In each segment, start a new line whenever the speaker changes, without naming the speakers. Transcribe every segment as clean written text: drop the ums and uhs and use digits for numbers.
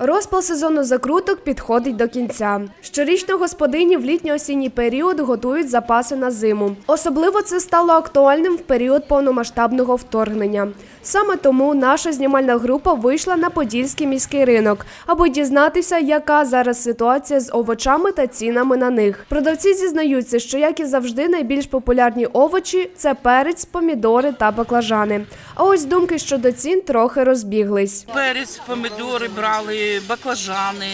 Розпал сезону закруток підходить до кінця. Щорічно господині в літньо-осінній період готують запаси на зиму. Особливо це стало актуальним в період повномасштабного вторгнення. Саме тому наша знімальна група вийшла на Подільський міський ринок, аби дізнатися, яка зараз ситуація з овочами та цінами на них. Продавці зізнаються, що, як і завжди, найбільш популярні овочі – це перець, помідори та баклажани. А ось думки щодо цін трохи розбіглись.
Перець, помідори брали, баклажани,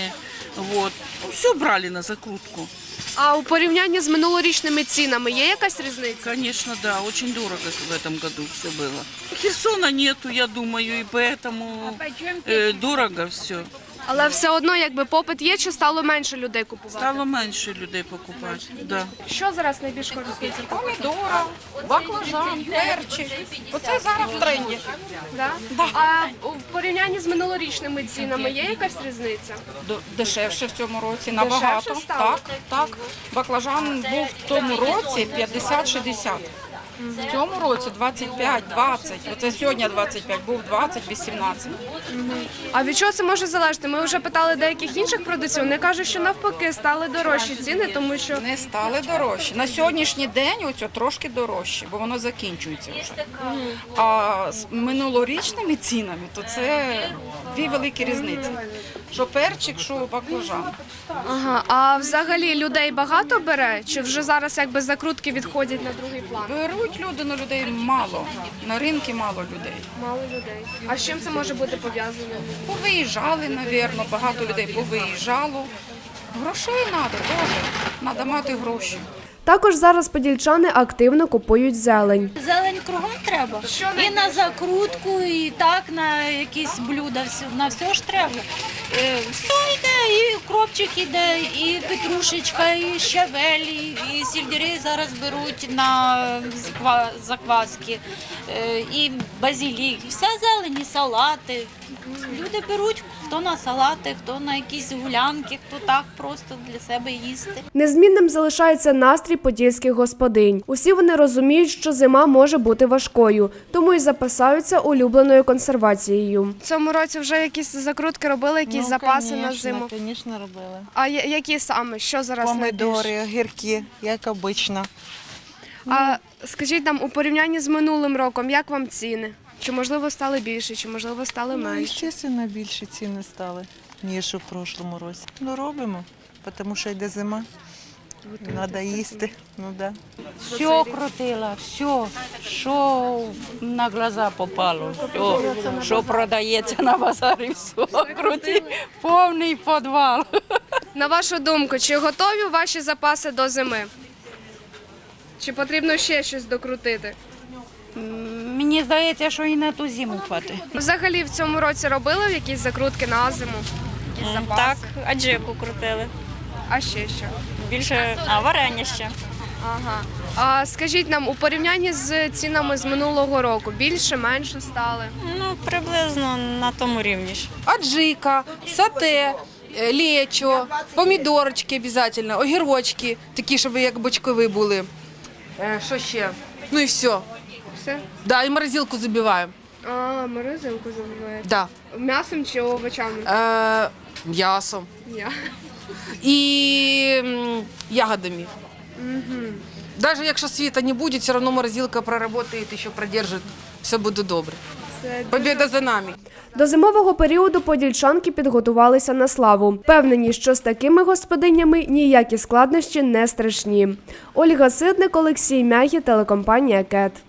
все брали на закрутку.
А у порівнянні з минулорічними цінами є якась різниця?
Конечно, да, очень дорого в этом году все было. Херсона нету, я думаю, и поэтому дорого все.
Але все одно, якби попит є, чи стало менше людей купувати?
Стало менше людей покупати, да.
Що зараз найбільш користується?
Помідора, баклажан, перчик. Оце зараз в тренді.
Да? А в порівнянні з минулорічними цінами є якась різниця?
Дешевше в цьому році, набагато.
Дешевше стало?
Так. Баклажан був в тому році 50-60. В цьому році 25-20. Оце сьогодні 25, був 20-18.
А від чого це може залежати? Ми вже питали деяких інших продавців, вони кажуть, що навпаки стали дорожчі ціни, тому що...
Не стали дорожчі. На сьогоднішній день оце трошки дорожче, бо воно закінчується вже. А з минулорічними цінами, то це дві великі різниці. Що перчик, що баклажан.
Ага. А взагалі людей багато бере? Чи вже зараз якби закрутки відходять на другий план?
Беруть люди, але людей мало. На ринку мало людей.
Мало людей. А з чим це може бути пов'язано?
Повиїжджали, мабуть, багато людей повиїжджало. Грошей треба теж. Треба мати гроші.
Також зараз подільчани активно купують зелень.
Зелень кругом треба. І на закрутку, і так на якісь блюда, на все ж треба. Все йде, і укропчик іде, і петрушечка, і щавель, і сельдерей зараз беруть на закваски, і базилік. Вся зелень, і салати. Люди беруть, хто на салати, хто на якісь гулянки, хто так просто для себе їсти.
Незмінним залишається настрій подільських господинь. Усі вони розуміють, що зима може бути важкою, тому й запасаються улюбленою консервацією. В цьому році вже якісь закрутки робили, якісь запаси на зиму?
Звісно, робили.
А які саме? Що зараз
Помидори, огірки, як обично.
А скажіть нам, у порівнянні з минулим роком, як вам ціни? Чи, можливо, стали більше, чи, можливо, стали менше?
Звісно, більше ціни стали, ніж у прошлому році. Ну, робимо, тому що йде зима. Треба їсти. Ну, да.
Все крутила, все, що на глаза попало, що продається на базарі, все крути, повний підвал.
На вашу думку, чи готові ваші запаси до зими? Чи потрібно ще щось докрутити?
Мені здається, що і на ту зиму хватить.
Взагалі в цьому році робили якісь закрутки на зиму? Якісь запаси?
Так, аджику крутили.
А ще що?
Більше варення ще.
Ага. А скажіть нам, у порівнянні з цінами з минулого року, більше, менше стали?
Ну, приблизно на тому рівні ж.
Аджика, сате, лечо, помідорочки обов'язково, огірочки, такі, щоб як бочкові були. Що ще? Ну і все.
Все?
Да, і морозилку забиваємо.
А, морозилку забуваєте.
Да.
М'ясом чи овочами?
М'ясом.
Я.
І ягодами. Навіть якщо світа не буде, все одно морозилка проработає, ще продержить, все буде добре. Побіда за нами.
До зимового періоду подільчанки підготувалися на славу. Впевнені, що з такими господинями ніякі складнощі не страшні. Ольга Ситник, Олексій Мягі, телекомпанія «КЕТ».